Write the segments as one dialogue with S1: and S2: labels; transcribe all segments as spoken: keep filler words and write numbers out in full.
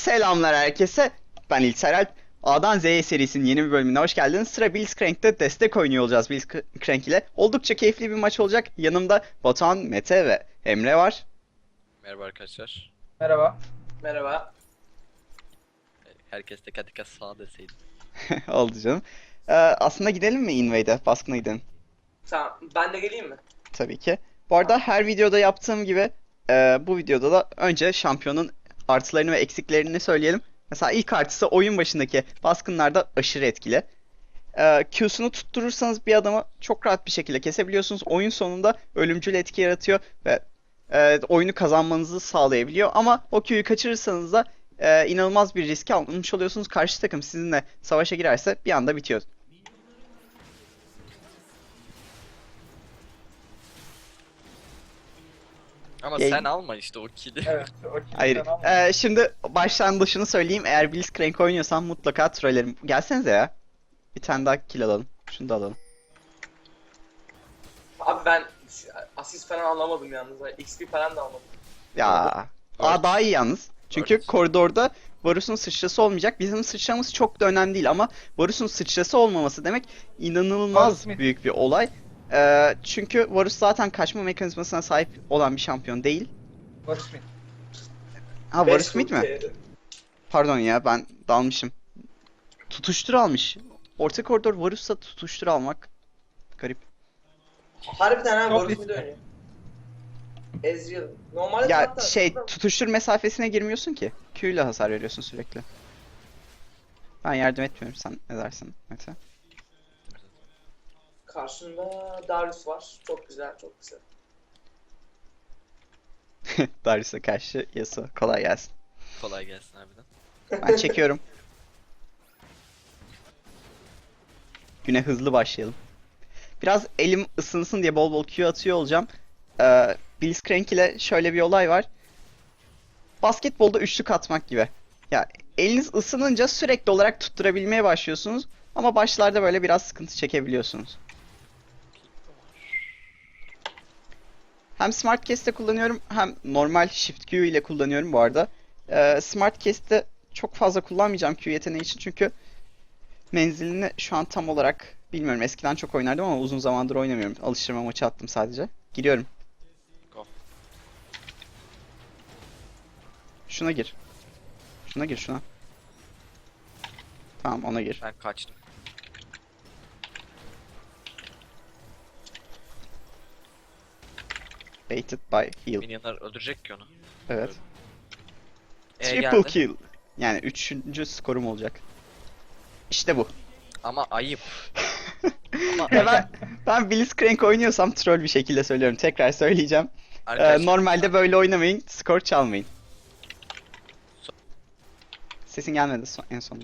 S1: Selamlar herkese. Ben İlter Alp. A'dan Z'ye serisinin yeni bir bölümüne hoş geldiniz. Sıra Blitzcrank'te destek oynuyor olacağız Blitzcrank ile. Oldukça keyifli bir maç olacak. Yanımda Batuhan, Mete ve Emre var.
S2: Merhaba arkadaşlar.
S3: Merhaba.
S4: Merhaba.
S2: Herkes teker teker sağ deseydi.
S1: Oldu canım. Ee, aslında gidelim mi Invade'e? Baskına gidelim.
S4: Tamam. Ben de geleyim mi?
S1: Tabii ki. Bu arada her videoda yaptığım gibi e, bu videoda da önce şampiyonun artılarını ve eksiklerini söyleyelim. Mesela ilk artısı oyun başındaki baskınlarda aşırı etkili. Ee, Q'sunu tutturursanız bir adamı çok rahat bir şekilde kesebiliyorsunuz. Oyun sonunda ölümcül etki yaratıyor ve e, oyunu kazanmanızı sağlayabiliyor. Ama o Q'yu kaçırırsanız da e, inanılmaz bir risk almış oluyorsunuz. Karşı takım sizinle savaşa girerse bir anda bitiyor.
S2: Ama
S1: Yayın-
S2: sen alma işte o kill'i.
S3: Evet, o kilden
S1: Hayır.
S3: ama.
S1: Ee, şimdi başlangıçını söyleyeyim. Eğer Blitzcrank oynuyorsan mutlaka trollerim. Gelsenize ya. Bir tane daha kill alalım. Şunu da alalım.
S4: Abi ben asist falan alamadım yalnız. X P falan da almadım.
S1: Ya. Aa daha iyi yalnız. Çünkü
S2: Varus.
S1: koridorda Varus'un sıçrası olmayacak. Bizim sıçramız çok da önemli değil ama Varus'un sıçrası olmaması demek inanılmaz
S3: Varus mid.
S1: büyük bir olay. Ee, çünkü Varus zaten kaçma mekanizmasına sahip olan bir şampiyon değil.
S3: Barış Smith.
S1: Ha Varus mid mi?
S4: Beş
S1: Pardon ya ben dalmışım. Tutuştur almış. Orta koridor Varus'ta tutuştur almak garip.
S4: Harbiden ha
S3: Çok
S4: Varus
S3: riskli.
S4: mid oynuyor. Ezreal. Normalde
S1: Ya
S4: hatta
S1: şey
S4: şurada-
S1: tutuştur mesafesine girmiyorsun ki. Q ile hasar veriyorsun sürekli. Ben yardım etmiyorum, sen ne dersin Mete?
S4: karşında Darius var. Çok güzel, çok güzel.
S1: Darius'a karşı Yasuo. Kolay gelsin.
S2: Kolay gelsin harbiden.
S1: Ben çekiyorum. Güne hızlı başlayalım. Biraz elim ısınsın diye bol bol Q atıyor olacağım. Ee, Blitzcrank ile şöyle bir olay var. Basketbolda üçlük atmak gibi. Ya eliniz ısınınca sürekli olarak tutturabilmeye başlıyorsunuz. Ama başlarda böyle biraz sıkıntı çekebiliyorsunuz. Hem Smart Cast'te kullanıyorum hem normal Shift Q ile kullanıyorum bu arada. Ee, Smart Cast'te çok fazla kullanmayacağım Q yeteneği için çünkü menzilini şu an tam olarak bilmiyorum. Eskiden çok oynardım ama uzun zamandır oynamıyorum. Alıştırma maçı attım sadece. Giriyorum.
S2: Go.
S1: Şuna gir. Şuna gir şuna. Tamam ona gir.
S2: Ben kaçtım.
S1: Baited by heal.
S2: Minyonlar öldürecek ki onu.
S1: Evet.
S2: E
S1: Triple
S2: geldi.
S1: kill. Yani üçüncü skorum olacak. İşte bu.
S2: Ama ayıp. Ama
S1: Ya ben, ben Blitzcrank oynuyorsam troll bir şekilde söylüyorum. Tekrar söyleyeceğim. Ee,
S2: arkadaşlar,
S1: normalde böyle oynamayın. Skor çalmayın. Sesin gelmedi son- en sonunda.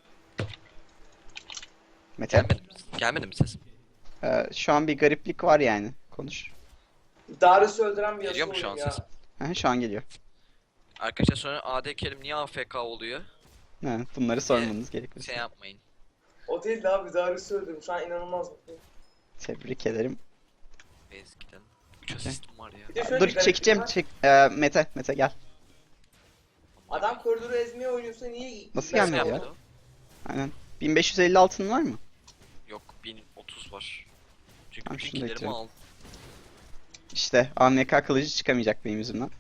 S1: Mete.
S2: gelmedi mi? Gelmedi mi sesim?
S1: Ee, şu an bir gariplik var yani. Konuş.
S4: Darius'u öldüren bir
S2: Geliyor mu
S4: Yasuo
S2: şu an
S4: ya.
S2: sesim?
S1: Hı, şu an geliyor.
S2: Arkadaşlar sonra A D Carry'm niye A F K oluyor?
S1: Ha, bunları sormanız gerekiyor.
S2: Şey yapmayın.
S4: O değil de abi Darius'u öldürdüm. Şu an inanılmaz mutluyum.
S1: Tebrik ederim.
S2: Base gidelim. üç asistim var ya.
S4: Bir de şöyle
S1: Dur
S4: bir gariplik
S1: çekeceğim.
S4: var.
S1: Çek. Ee, Mete. Mete gel.
S4: Adam koridoru ezmeye oynuyorsa niye...
S1: Nasıl
S4: Ben-
S1: gelmedi ya?
S2: Yapmadı o.
S1: Aynen. bin beş yüz elli altın var mı?
S2: Yok bin otuz var. Çünkü
S1: Tamam,
S2: bütün
S1: şunu da
S2: killerimi
S1: ekliyorum.
S2: aldım.
S1: İşte A M K kılıcı çıkamayacak benim yüzümden.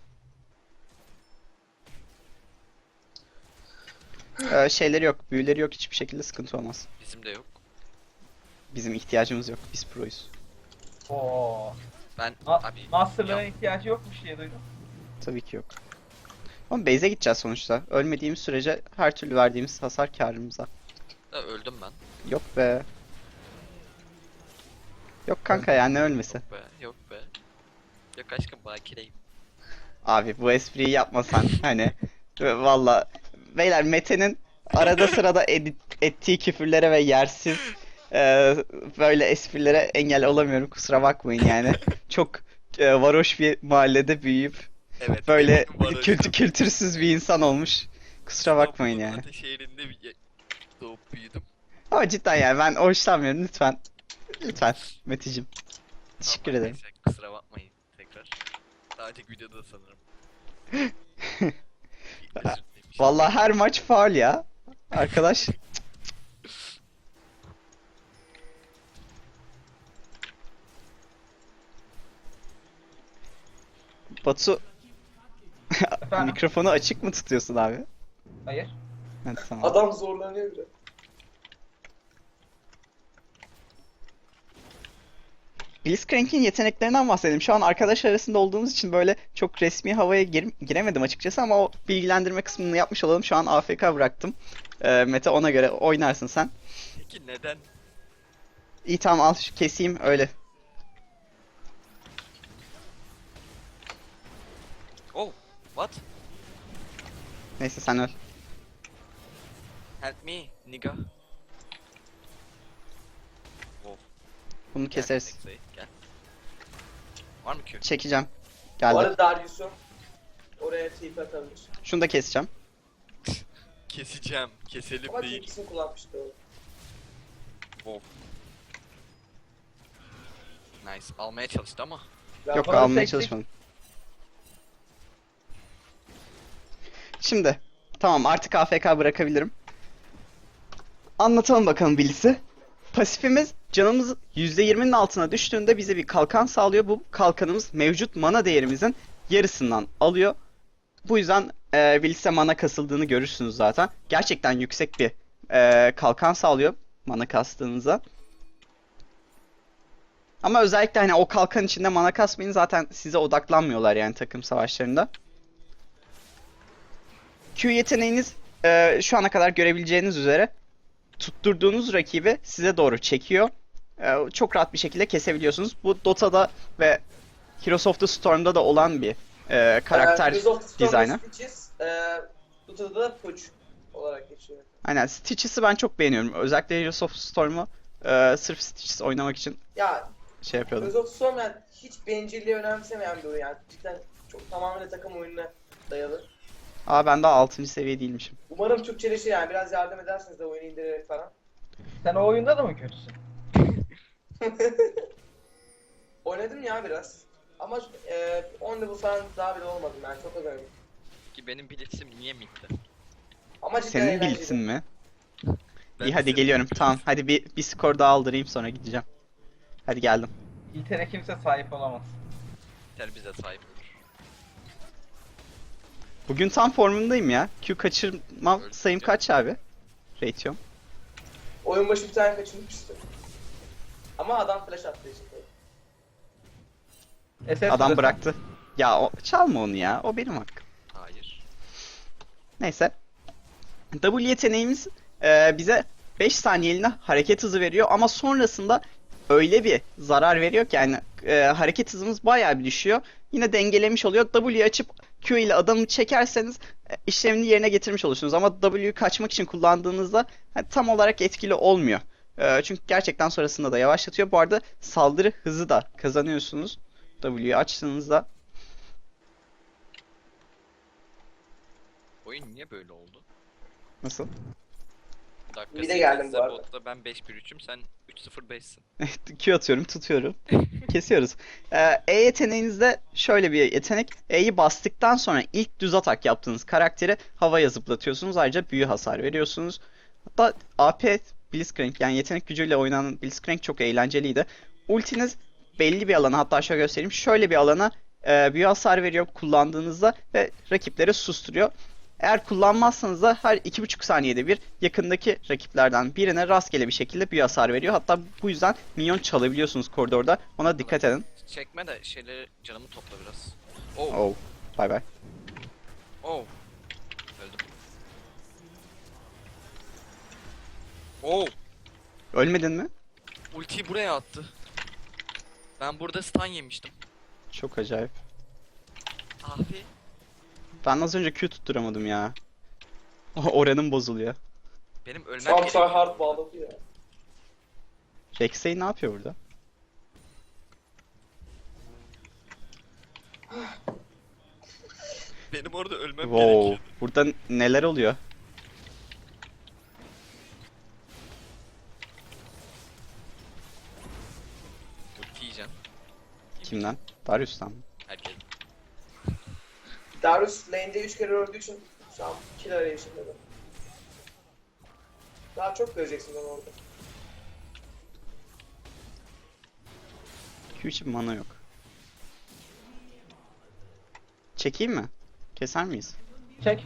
S1: Ee, şeyleri yok, büyüleri yok, hiçbir şekilde sıkıntı olmaz.
S2: Bizim de yok.
S1: Bizim ihtiyacımız yok, biz proyuz.
S3: Oo.
S2: Ben
S3: Ma
S2: abi
S3: Master'lara
S2: ya-
S3: ihtiyacı yokmuş diye duydum.
S1: Tabii ki yok. Ama base'e gideceğiz sonuçta. Ölmediğimiz sürece her türlü verdiğimiz hasar kârımıza.
S2: da öldüm ben.
S1: Yok be. Yok kanka ya ne ölmesi.
S2: Yok be, yok be. Yok aşkım bakireyim.
S1: Abi bu espriyi yapmasan hani valla beyler Mete'nin arada sırada edit, ettiği küfürlere ve yersiz e, böyle esprilere engel olamıyorum, kusura bakmayın yani. Çok e, varoş bir mahallede büyüyüp
S2: Evet.
S1: böyle
S2: benim var
S1: kültü kültürsüz bir insan olmuş. Kusura bakmayın yani.
S2: Ateş şehrinde bir doğup büyüdüm.
S1: Ama cidden yani ben hoşlanmıyorum, lütfen. Lütfen Meteciğim. Teşekkür
S2: Tamam,
S1: ederim.
S2: neyse, kusura bakmayın tekrar. Daha önceki videoda da sanırım. Özür dilemiştim.
S1: Vallahi her maç faul ya. Arkadaş. Batu
S3: Efendim?
S1: mikrofonu açık mı tutuyorsun abi?
S3: Hayır.
S1: Evet, tamam.
S4: Adam zorlanıyor biraz.
S1: Blitzcrank'in yeteneklerinden bahsedelim. Şu an arkadaşlar arasında olduğumuz için böyle çok resmi havaya gir- giremedim açıkçası ama o bilgilendirme kısmını yapmış olalım. Şu an A F K bıraktım. Ee, Mete ona göre oynarsın sen.
S2: Peki neden?
S1: İyi tamam al şu keseyim öyle.
S2: Oh, what?
S1: Neyse sen öl.
S2: Help me, nigga. Wow.
S1: Bunu
S2: Gel,
S1: keseriz.
S2: Nexa'yı, Gel. Var mı Q?
S1: Çekeceğim.
S4: Bu
S1: Geldi.
S4: arada Darius'u oraya tip atabilir.
S1: Şunu da keseceğim.
S2: Keseceğim. Keselim
S4: Ama
S2: değil.
S4: tipsini kullanmıştı o.
S2: Wow. Nice. Almaya çalıştı ama.
S4: Ya
S1: Yok
S3: bana
S1: almaya
S3: tek tek-
S1: çalışmadım. Şimdi tamam artık A F K bırakabilirim. Anlatalım bakalım Blitz'i. Pasifimiz canımız yüzde yirminin altına düştüğünde bize bir kalkan sağlıyor. Bu kalkanımız mevcut mana değerimizin yarısından alıyor. Bu yüzden e, Blitz'e mana kasıldığını görürsünüz zaten. Gerçekten yüksek bir e, kalkan sağlıyor mana kastığınızda. Ama özellikle hani o kalkan içinde mana kasmayın zaten size odaklanmıyorlar yani takım savaşlarında. Q yeteneğiniz e, şu ana kadar görebileceğiniz üzere tutturduğunuz rakibi size doğru çekiyor. E, çok rahat bir şekilde kesebiliyorsunuz. Bu Dota'da ve Heroes of the Storm'da da olan bir e, karakter
S4: Heroes of the Storm'da
S1: dizaynı.
S4: Stitches, eee Dota'da da Puch olarak geçiyor.
S1: Aynen Stitches'ı ben çok beğeniyorum. Özellikle Heroes of the Storm'u e, sırf Stitches oynamak için
S4: Ya
S1: şey yapıyordum.
S4: Heroes of the Storm yani hiç bencilliği önemsemeyen bir oyun yani. Cidden çok tamamıyla takım oyununa dayalı.
S1: Aa ben daha altıncı seviye değilmişim.
S4: Umarım Türkçeleşir yani biraz yardım edersiniz de oyunu indirerek falan.
S3: Sen o oyunda da mı kötüsün?
S4: Oynadım ya biraz. Ama eee on level falan daha bile olmadım yani çok az oynadım.
S2: Ki benim blitzim niye midde?
S4: Ama cidden
S1: Senin
S4: eğlenceli.
S1: Blitz'in mi?
S2: Ben
S1: İyi hadi
S2: senin
S1: geliyorum.
S2: blitzim.
S1: Tamam hadi bir, bir skor daha aldırayım sonra gideceğim. Hadi geldim.
S3: İltere kimse sahip olamaz.
S2: Yeter bize sahip olur.
S1: Bugün tam formundayım ya. Q kaçırmam
S2: Öyle
S1: sayım
S2: diyor.
S1: kaç abi? Rate'yom.
S4: Oyun başı bir tane kaçırmıştı. Ama adam flash attığı için tabii.
S3: S S
S1: Adam
S3: süresi-
S1: bıraktı. Ya o, çalma onu ya. O benim hakkım.
S2: Hayır.
S1: Neyse. W yeteneğimiz e, bize beş saniyeliğine hareket hızı veriyor ama sonrasında öyle bir zarar veriyor ki yani e, hareket hızımız bayağı bir düşüyor. Yine dengelemiş oluyor. W'yu açıp Q ile adamı çekerseniz e, işlemini yerine getirmiş olursunuz. Ama W'yu kaçmak için kullandığınızda hani, tam olarak etkili olmuyor. E, çünkü gerçekten sonrasında da yavaşlatıyor. Bu arada saldırı hızı da kazanıyorsunuz. W'yu açtığınızda.
S2: Oyun niye böyle oldu?
S1: Nasıl?
S2: Dakika
S4: Bir de geldim bu
S2: sekizde
S4: arada.
S2: botta ben beş bir üçüm sen üç sıfır beşsin.
S1: Q atıyorum, tutuyorum. Kesiyoruz. Ee, E yeteneğinizde şöyle bir yetenek. E'yi bastıktan sonra ilk düz atak yaptığınız karakteri havaya zıplatıyorsunuz. Ayrıca büyü hasar veriyorsunuz. Hatta A P Blitzcrank yani yetenek gücüyle oynanan Blitzcrank çok eğlenceliydi. Ultiniz belli bir alana hatta şöyle göstereyim. Şöyle bir alana e, büyü hasar veriyor kullandığınızda ve rakipleri susturuyor. Eğer kullanmazsanız da her iki buçuk saniyede bir yakındaki rakiplerden birine rastgele bir şekilde büyü hasar veriyor. Hatta bu yüzden minyon çalabiliyorsunuz koridorda. Ona dikkat edin.
S2: Çekme de şeyleri canımı topla biraz. Oh,
S1: Oh, bay bay.
S2: oh. Öldüm. Oh,
S1: Ölmedin mi?
S2: ultiyi buraya attı. Ben burada stun yemiştim.
S1: Çok acayip.
S2: Abi.
S1: Ben az önce Q tutturamadım ya. Oranım bozuluyor.
S2: Benim ölmem
S4: Şu an
S2: gerekiyor.
S4: hard bağladı ya.
S1: Rek'Sai ne yapıyor burada?
S2: Benim orada ölmem
S1: Wow,
S2: gerekiyor.
S1: burada neler oluyor?
S2: Ulti yiyeceğim.
S1: Kimden? Darius'tan mı?
S2: Herkes.
S4: Darius lane'de üç kere öldüğü için Şu an kill arayışında da. Daha çok göreceksin onu orada.
S1: Q için mana yok. Çekeyim mi? Keser miyiz?
S3: Çek.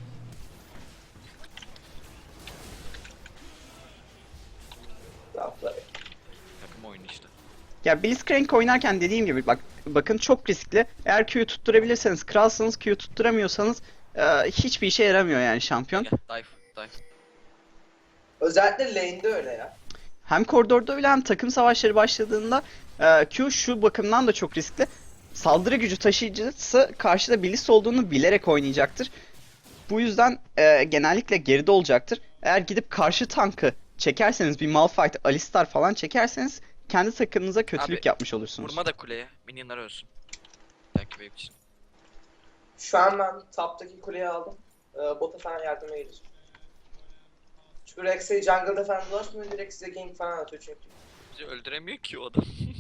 S4: Lafları.
S2: Takım oyunu işte.
S1: Ya Blitzcrank oynarken dediğim gibi bak bakın çok riskli. Eğer Q'yu tutturabilirseniz kralsınız, Q'yu tutturamıyorsanız e, hiçbir işe yaramıyor yani şampiyon.
S2: Gel, dive, dive.
S4: Özellikle lane'de öyle ya.
S1: Hem koridorda öyle hem takım savaşları başladığında e, Q şu bakımdan da çok riskli. Saldırı gücü taşıyıcısı karşıda Blitz olduğunu bilerek oynayacaktır. Bu yüzden e, genellikle geride olacaktır. Eğer gidip karşı tankı çekerseniz bir Malphite, Alistar falan çekerseniz kendi takımınıza kötülük
S2: Abi,
S1: yapmış olursunuz.
S2: Vurma da kuleye. Minyonlar ölsün. Belki wave için.
S4: Şu an ben top'taki kuleyi aldım. Ee, bota falan yardıma geleceğim. Çünkü Rex'e jungle'da falan dolaşmıyor, direkt size gank falan atıyor çünkü.
S2: Bizi öldüremiyor ki o adam.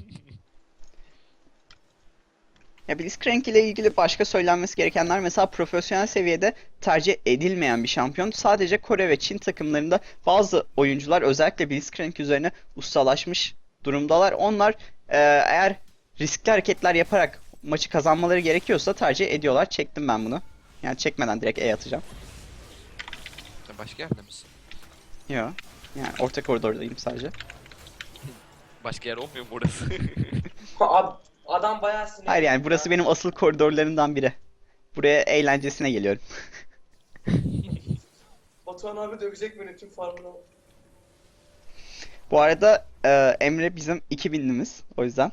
S1: Ya Blitzcrank ile ilgili başka söylenmesi gerekenler mesela profesyonel seviyede tercih edilmeyen bir şampiyon. Sadece Kore ve Çin takımlarında bazı oyuncular özellikle Blitzcrank üzerine ustalaşmış durumdalar. Onlar e, eğer riskli hareketler yaparak maçı kazanmaları gerekiyorsa tercih ediyorlar. Çektim ben bunu. Yani çekmeden direkt E atacağım.
S2: Sen başka yerde misin?
S1: Yo. Yani orta koridordayım sadece.
S2: Başka yer olmuyor mu burası?
S4: Ad- adam bayağı sinirli.
S1: Hayır yani burası benim asıl koridorlarımdan biri. Buraya eğlencesine geliyorum.
S4: Batuhan abi dövecek beni tüm farmına.
S1: Bu arada e, Emre bizim iki binlimiz. O yüzden.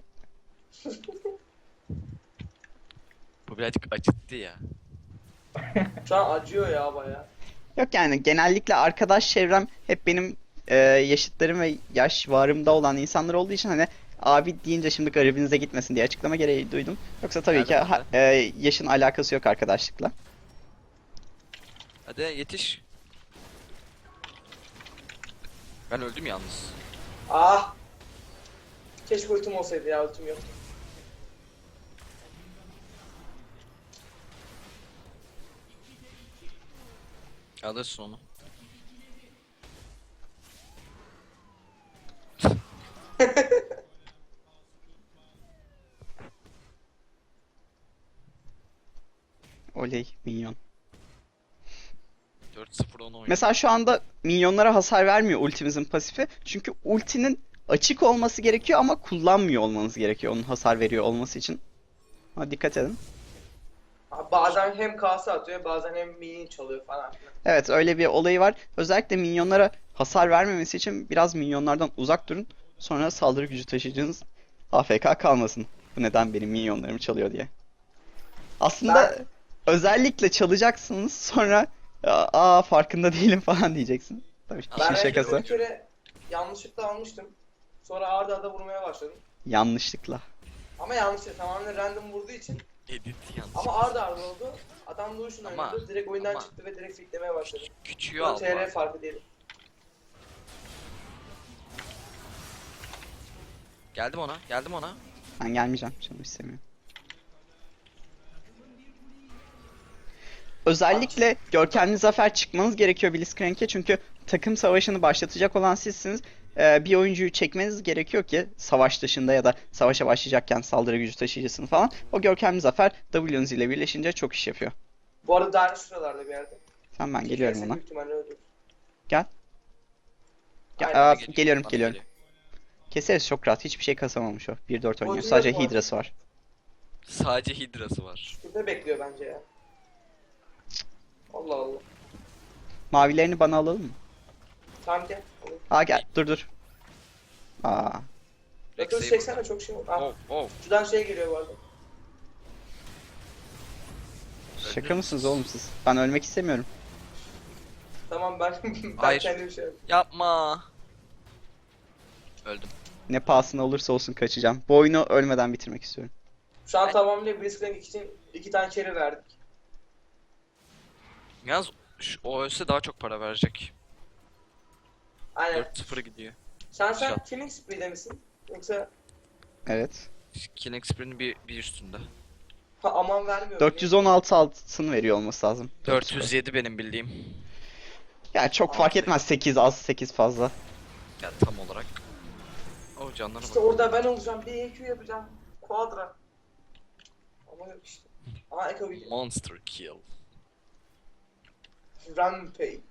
S2: Bu birazcık acıttı ya.
S4: Şu an acıyor ya bayağı.
S1: Yok yani genellikle arkadaş çevrem hep benim e, yaşıtlarım ve yaş varımda olan insanlar olduğu için hani abi deyince şimdi garibinize gitmesin diye açıklama gereği duydum. Yoksa tabii ki
S2: Nereden
S1: ha- e, yaşın alakası yok arkadaşlıkla.
S2: Hadi yetiş. Ben öldüm yalnız.
S4: Ah! Keşke ultim olsaydı ya, ultim yoktu.
S2: Alırsın onu.
S1: Oley minyon.
S2: dört sıfır onu oynuyor.
S1: Mesela şu anda minyonlara hasar vermiyor ultimizin pasifi. Çünkü ultinin açık olması gerekiyor ama kullanmıyor olmanız gerekiyor onun hasar veriyor olması için. Ama dikkat edin.
S4: Abi bazen hem kase atıyor, bazen hem mini çalıyor falan filan.
S1: Evet öyle bir olayı var. Özellikle minyonlara hasar vermemesi için biraz minyonlardan uzak durun. Sonra saldırı gücü taşıyıcınız A F K kalmasın. Bu neden benim minyonlarımı çalıyor diye. Aslında
S4: Ben-
S1: özellikle çalacaksınız sonra aa farkında değilim falan diyeceksin. Tabii
S2: Ben
S1: işin
S4: Ben
S1: şakası.
S4: bir kere yanlışlıkla almıştım. Sonra arda arda vurmaya başladım.
S1: Yanlışlıkla.
S4: Ama yanlışlıkla tamamen random vurduğu için.
S2: Edit yanlış.
S4: Ama arda arda oldu. Adam Lucian
S2: Ama-
S4: oynadı. Direkt oyundan
S2: ama-
S4: çıktı ve direkt fitlemeye başladı.
S2: Küçüğü
S4: Bu
S2: al.
S4: T R
S2: bari.
S4: farkı değil.
S2: Geldim ona. Geldim ona.
S1: Ben gelmeyeceğim. Canım istemiyor. Özellikle görkemli zafer çıkmanız gerekiyor Blitzcrank'e çünkü takım savaşını başlatacak olan sizsiniz. Ee, bir oyuncuyu çekmeniz gerekiyor ki savaş dışında ya da savaşa başlayacakken saldırı gücü taşıyıcısını falan. O görkemli zafer W'nuz ile birleşince çok iş yapıyor.
S4: Bu arada Darius şuralarda bir yerde.
S1: Tamam ben geliyorum
S4: Kesin
S1: ona.
S4: büyük ihtimalle öldürür.
S1: Gel. Gel-
S4: Aynen,
S1: aa,
S2: Geliyor,
S1: geliyorum
S2: bana
S1: geliyorum.
S2: geliyor.
S1: Keseriz çok rahat. Hiçbir şey kasamamış o. bir dört oynuyor.
S4: Bozuluyor
S1: Sadece
S4: bu arada.
S1: Hydra'sı var.
S2: Sadece Hidra'sı var.
S4: Şurada bekliyor bence ya. Allah Allah.
S1: Mavilerini bana alalım mı?
S4: Tamam gel. Olur.
S1: Aa gel dur dur. Aa.
S4: Rex'e
S2: Rex'e
S4: çeksene çok şey oldu. Ah,
S2: Oh oh.
S4: şuradan şey geliyor bu arada.
S1: Şaka mısınız oğlum siz? Ben ölmek istemiyorum.
S4: Tamam ben ben
S2: Hayır.
S4: kendim şey yapayım.
S2: Yapma. Öldüm.
S1: Ne pahasına olursa olsun kaçacağım. Bu oyunu ölmeden bitirmek istiyorum.
S4: Şu an
S2: Ben-
S4: tamamıyla Blitzcrank için iki tane carry verdik.
S2: Yalnız şu- o ölse daha çok para verecek.
S4: Aynen.
S2: dört sıfır gidiyor.
S4: Sen sen
S2: Şat.
S4: Killing Spree'de misin? Yoksa
S1: Evet.
S2: Killing Spree'nin bir, bir üstünde.
S4: Ha, aman vermiyor.
S1: dört yüz on altı altın veriyor olması lazım.
S2: dört yüz yedi benim bildiğim.
S1: Yani çok fark etmez, sekiz az sekiz fazla.
S2: Ya tam olarak. O canlarına
S4: İşte
S2: bak.
S4: orada ben olacağım. Bir E Q yapacağım. Quadra. Ama yok işte. Aha Echo video.
S2: Monster kill.
S4: Rampage.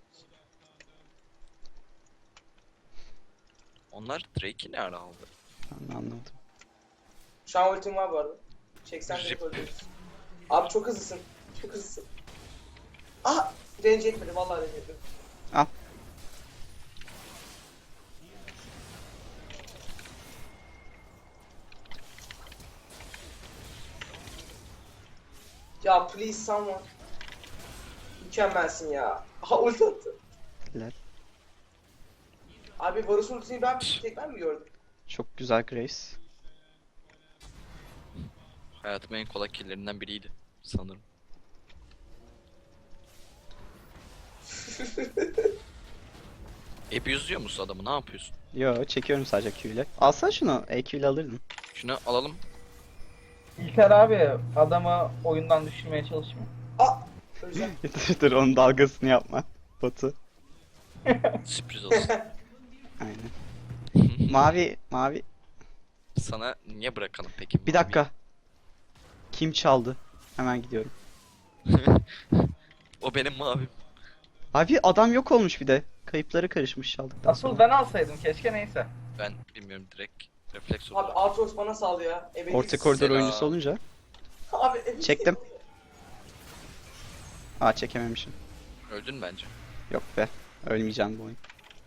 S2: Onlar Drake'i ne ara aldı?
S1: Ben anlamadım.
S4: Şu an ultim var bu arada. Çeksen de
S2: Rip.
S4: öldürürüz. Abi çok hızlısın. Çok hızlısın. Aha! Range etmedi. Vallahi range etmedi.
S1: Al.
S4: Ya please someone. Mükemmelsin ya. Aha ulti attı.
S1: Helal.
S4: Abi Varus ultisini ben tek ben mi gördüm?
S1: Çok güzel Grace.
S2: Hayatımın en kolay killerinden biriydi sanırım. Abuse'luyor musun adamı? Ne yapıyorsun?
S1: Yo, çekiyorum sadece Q ile. Alsana şunu, E Q ile alırdın.
S2: Şunu alalım.
S3: İlker abi adamı oyundan düşürmeye çalışmıyor.
S4: Aa! Öleceğim.
S1: dur dur, onun dalgasını yapma. Batu.
S2: Sürpriz olsun.
S1: Aynen. Mavi, mavi.
S2: Sana niye bırakalım peki?
S1: Bir dakika. Kim çaldı? Hemen gidiyorum.
S2: O benim mavim.
S1: Abi adam yok olmuş bir de. Kayıpları karışmış çaldıktan
S3: Asıl
S1: sonra.
S3: ben alsaydım keşke, neyse.
S2: Ben bilmiyorum, direkt refleks
S4: Abi
S2: oldu.
S4: Aatrox bana sal ya. Ebedi.
S1: Orta koridor
S2: Selam.
S1: oyuncusu olunca.
S4: Abi ebedi.
S1: Çektim. Aa, çekememişim.
S2: Öldün bence.
S1: Yok be. Ölmeyeceğim bu oyun.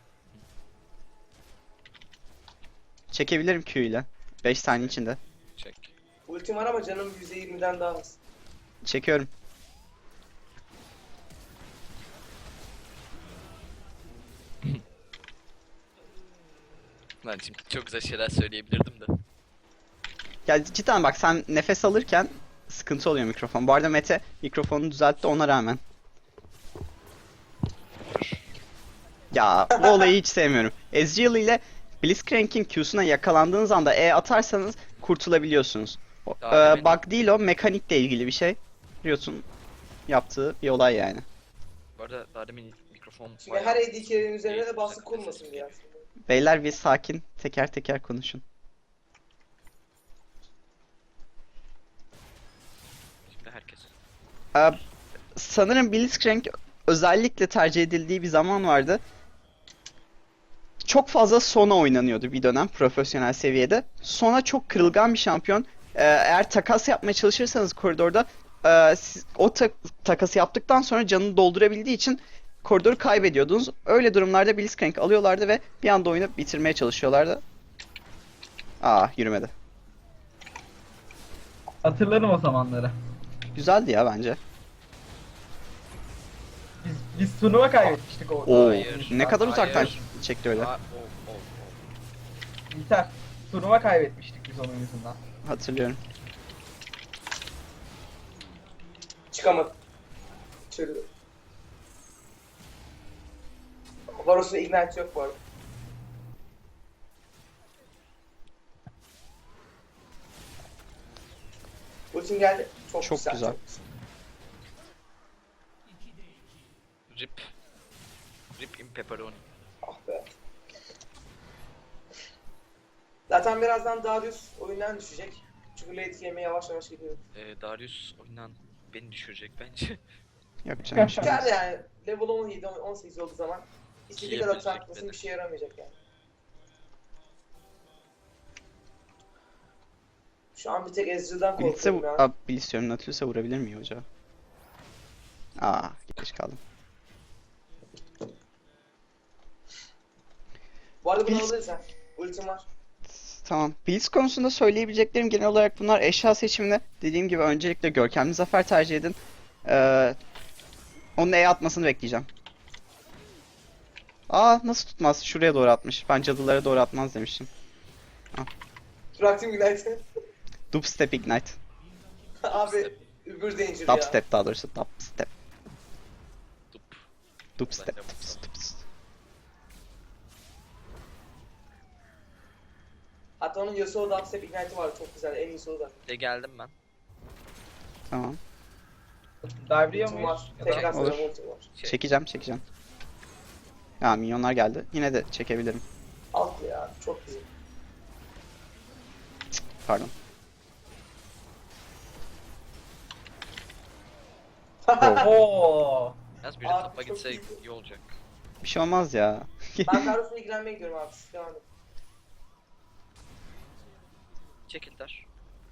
S1: Çekebilirim Q ile. beş saniye içinde.
S2: Çek.
S4: Ultim var ama canım yüzde yirmiden daha az.
S1: Çekiyorum.
S2: Lan şimdi çok güzel şeyler söyleyebilirdim de.
S1: Ya cidden bak, sen nefes alırken sıkıntı oluyor mikrofon. Bu arada Mete mikrofonunu düzeltti ona rağmen. Ya bu olayı hiç sevmiyorum. Ezreal ile Blitzcrank'in Q'suna yakalandığınız anda E atarsanız kurtulabiliyorsunuz. O-
S2: Daha
S1: Ee,
S2: demin-
S1: bug değil o, mekanikle ilgili bir şey. Riot'un yaptığı bir olay yani.
S2: Bu arada daha demin mikrofon
S4: Şimdi
S2: bayağı-
S4: her A D carry'nin üzerine de
S2: Değil,
S4: baskı
S2: ses
S4: kurmasın
S2: geliyor.
S4: diye aslında.
S1: Beyler bir sakin, teker teker konuşun.
S2: Şimdi herkes.
S1: Ee, sanırım Blitzcrank özellikle tercih edildiği bir zaman vardı. Çok fazla Sona oynanıyordu bir dönem profesyonel seviyede. Sona çok kırılgan bir şampiyon. Ee, eğer takas yapmaya çalışırsanız koridorda e, siz o ta- takası yaptıktan sonra canını doldurabildiği için koridoru kaybediyordunuz. Öyle durumlarda Blitzcrank alıyorlardı ve bir anda oyunu bitirmeye çalışıyorlardı. Aa, yürümedi.
S3: Hatırlarım o zamanları.
S1: Güzeldi ya bence.
S3: Biz biz turnuva kaybetmiştik o.
S1: Oo,
S2: Hayır,
S1: ne kadar uzaktan
S2: hayır.
S1: çekti öyle.
S2: Aa, o, o, o.
S3: İlker. Turnuva kaybetmiştik biz onun yüzünden.
S1: Hatırlıyorum.
S4: Çıkamadım. Çürüdü. Varus'un ignite yok bu arada. Ultim geldi. Çok,
S1: Çok
S4: güzel.
S1: güzel.
S4: Çok güzel.
S2: Rip. Rip in pepperoni.
S4: Ah be. Zaten birazdan Darius oyundan düşecek. Çünkü late game'e yavaş yavaş gidiyor.
S2: Ee, Darius oyundan beni düşürecek bence.
S1: Yok canım.
S4: Çıkar yani. Level on yedi on sekiz olduğu zaman istediği kadar
S2: Yapabilecek
S4: tanklasın
S2: beni.
S4: bir şey yaramayacak yani. Şu an bir tek Ezreal'dan
S1: Blitz'e
S4: korkuyorum
S1: vu-
S4: ya.
S1: Aa, Blitz diyorum, Nautilus'a vurabilir miyim hoca? Aa, geç kaldım.
S4: Bu arada bunu
S1: Blitz-
S4: alırız ha. Ultim var.
S1: Tamam. Blitz konusunda söyleyebileceklerim genel olarak bunlar. Eşya seçiminde dediğim gibi öncelikle görkemli zafer tercih edin. Ee, onun E atmasını bekleyeceğim. Aa, nasıl tutmaz? Şuraya doğru atmış. Ben cadılara doğru atmaz demiştim.
S4: Bıraktım Ignite'ı.
S1: Dubstep Ignite.
S4: Abi Uber Danger ya.
S1: Dubstep daha doğrusu. Dubstep.
S2: Dup.
S1: Dubstep.
S2: Ben de
S1: Dups, dups.
S4: Hatta onun Yasuo Dubstep Ignite'ı var çok güzel. En iyisi o da.
S2: De geldim ben.
S1: Tamam.
S3: Dive'liyor
S4: Ultim
S3: muyuz?
S4: var.
S3: Ya da-
S4: Tekrar
S1: Olur.
S4: sonra ultim var.
S2: Şey,
S1: Çekeceğim çekeceğim. Ya minyonlar geldi. Yine de çekebilirim.
S4: Alt ya. Çok güzel.
S1: Pardon.
S3: Oo.
S2: Yalnız biri
S4: Abi,
S2: tapa
S4: çok
S2: gitse
S4: iyi.
S2: iyi olacak.
S1: Bir şey olmaz ya.
S4: Ben Darius'la ilgilenmeye gidiyorum abi. Siz devam edin.
S2: Çekildiler.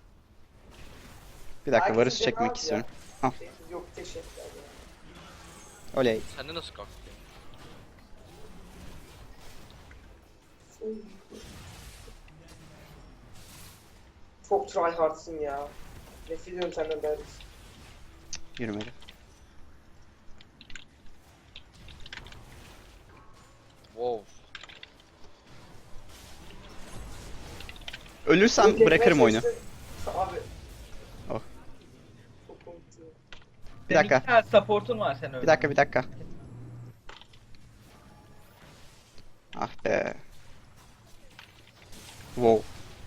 S1: Bir dakika
S4: Herkesin
S1: Varus
S4: canı
S1: çekmek
S4: az ya.
S1: istiyorum. Al.
S4: Şey, Yok teşekkürler ya.
S1: Oley.
S2: Sende nasıl kalktı?
S4: Çok tryhardsın ya. Nefret ediyorum senden Darius.
S1: Yürümeli.
S2: Wow.
S1: Ölürsem
S4: Yok,
S1: bırakırım
S4: etmeye
S1: oyunu.
S4: çalıştım. Abi.
S1: Oh.
S4: Çok komikti.
S1: Bir
S3: Senin
S1: dakika.
S3: iki tane support'un var sen öyle.
S1: Bir dakika bir dakika. Ah be. Wow.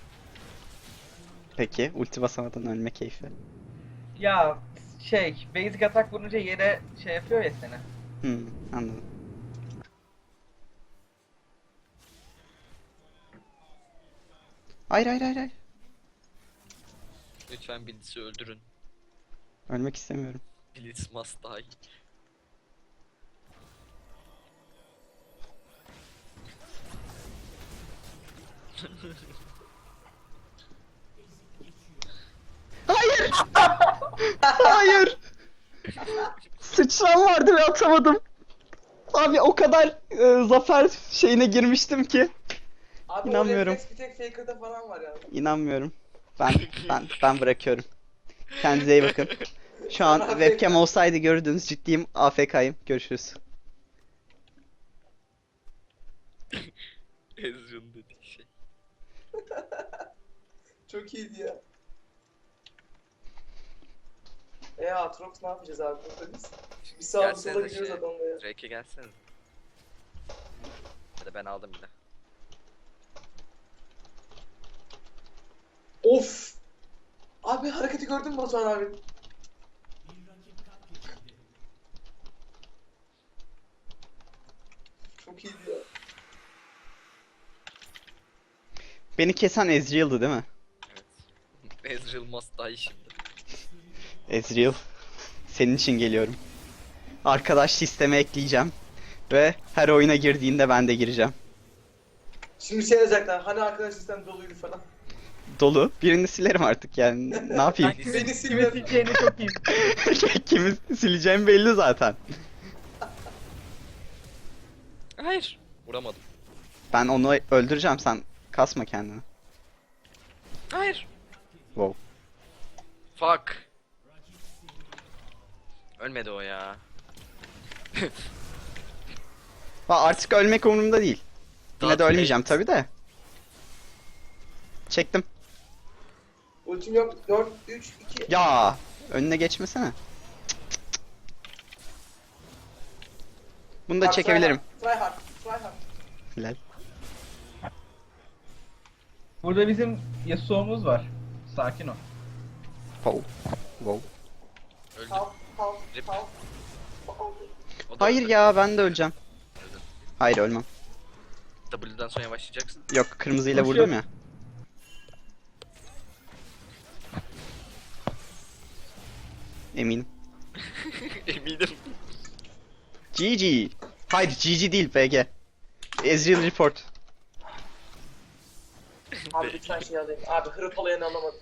S1: Peki ulti basamadan ölme keyfi.
S3: Ya şey, basic atak vurunca yere şey yapıyor ya seni.
S1: Hmm, anladım. Hayır hayır hayır hayır.
S2: Lütfen Blitz'i öldürün.
S1: Ölmek istemiyorum.
S2: Blitz must die.
S1: Hayır! Hayır! Sıçram vardı ve atamadım. Abi o kadar e, zafer şeyine girmiştim ki.
S4: Abi
S1: İnanmıyorum.
S4: o refleks bir tek Faker'da falan var ya.
S1: İnanmıyorum. Ben ben ben bırakıyorum. Kendinize iyi bakın. Şu an webcam olsaydı görürdünüz, ciddiyim, A F K'yim. Görüşürüz.
S2: Ezreal dediği şey.
S4: Çok iyiydi ya. E Aatrox ne yapacağız abi burada biz? Bir sağa bir sola
S2: Gelsenize
S4: gidiyoruz
S2: şey,
S4: adamla ya.
S2: Drake'e gelseniz. Hadi ben aldım bir de.
S4: Of! Abi hareketi gördün mü Batuhan abi? Çok iyiydi ya.
S1: Beni kesen Ezreal'dı değil mi?
S2: Evet. Ezreal must die şimdi.
S1: Ezreal, senin için geliyorum. Arkadaş sisteme ekleyeceğim. Ve her oyuna girdiğinde ben de gireceğim.
S4: Şimdi şey yazacaklar, hani arkadaş sistem doluydu falan.
S1: Dolu. Birini silerim artık yani. Ne yapayım?
S2: Beni
S4: Beni
S3: Kimi
S4: silme.
S3: sileceğini çok iyi.
S1: Kimi sileceğim belli zaten.
S2: Hayır. Vuramadım.
S1: Ben onu öldüreceğim, sen kasma kendini.
S2: Hayır.
S1: Wow.
S2: Fuck. Ölmedi o ya.
S1: Ha, artık ölmek umurumda değil. Yine de
S2: Dark
S1: ölmeyeceğim
S2: Fate.
S1: tabi de. Çektim.
S4: Ultim yok. dört, üç, iki.
S1: Ya önüne geçmesene. Bunu da
S4: Bak,
S1: çekebilirim.
S4: Try hard. Try hard. Try hard.
S1: Hilal.
S3: Burada bizim Yasuo'muz var. Sakin ol.
S1: Wow. Wow.
S2: Öldü.
S4: Kalk, kalk,
S2: Rip.
S4: kalk. Kalk.
S2: O da
S1: Hayır
S2: öldü.
S1: ya, ben de öleceğim.
S2: Öldü.
S1: Hayır, ölmem.
S2: W'den sonra yavaşlayacaksın.
S1: Yok, kırmızıyla
S3: Koşuyor.
S1: vurdum ya. Eminim.
S2: Eminim.
S1: G G. Hayır, G G değil B G. Ezreal report.
S4: Abi lütfen şey alayım. Abi hırpalayanı alamadım.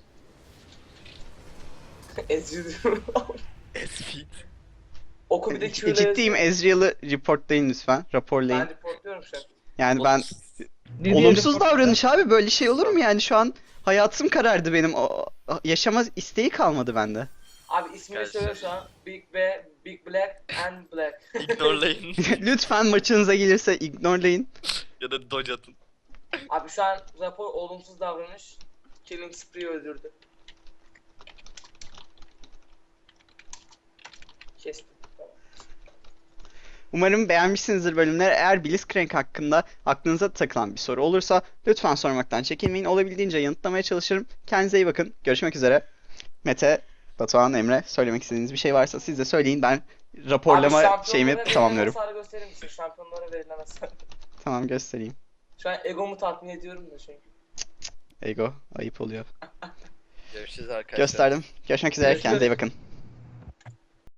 S4: Ezreal.
S2: Esfit.
S4: Oku bir de Q'yle
S1: Ciddiyim, Ezreal'ı reportlayın lütfen. Raporlayın.
S4: Ben reportluyorum şu an.
S1: Yani ben
S3: Ne diye
S1: olumsuz
S3: report-
S1: davranış abi, böyle şey olur mu yani? Şu an hayatım karardı benim. O, yaşama isteği kalmadı bende.
S4: Abi ismini
S2: Gelsin.
S4: söyle şu an. Big B, Big Black and Black.
S2: Ignorelayın.
S1: Lütfen maçınıza gelirse ignorelayın.
S2: Ya da dodge atın.
S4: Abi şu an rapor olumsuz davranış. Killing Spree öldürdü. Kestim. Tamam.
S1: Umarım beğenmişsinizdir bölümleri. Eğer Blitzcrank hakkında aklınıza takılan bir soru olursa lütfen sormaktan çekinmeyin. Olabildiğince yanıtlamaya çalışırım. Kendinize iyi bakın. Görüşmek üzere. Mete, Batuhan, Emre, söylemek istediğiniz bir şey varsa siz de söyleyin. Ben raporlama
S4: Abi şampiyonlara
S1: şeyimi
S4: verilen
S1: tamamlıyorum.
S4: hasarı gösterir misin? Şampiyonlara verilen hasar.
S1: Tamam, göstereyim.
S4: Şu an egomu tatmin ediyorum da çünkü.
S1: Ego, ayıp oluyor.
S2: Görüşürüz arkadaşlar.
S1: Gösterdim. Görüşmek üzere.
S4: Görüşürüz.
S1: Kendinize iyi bakın.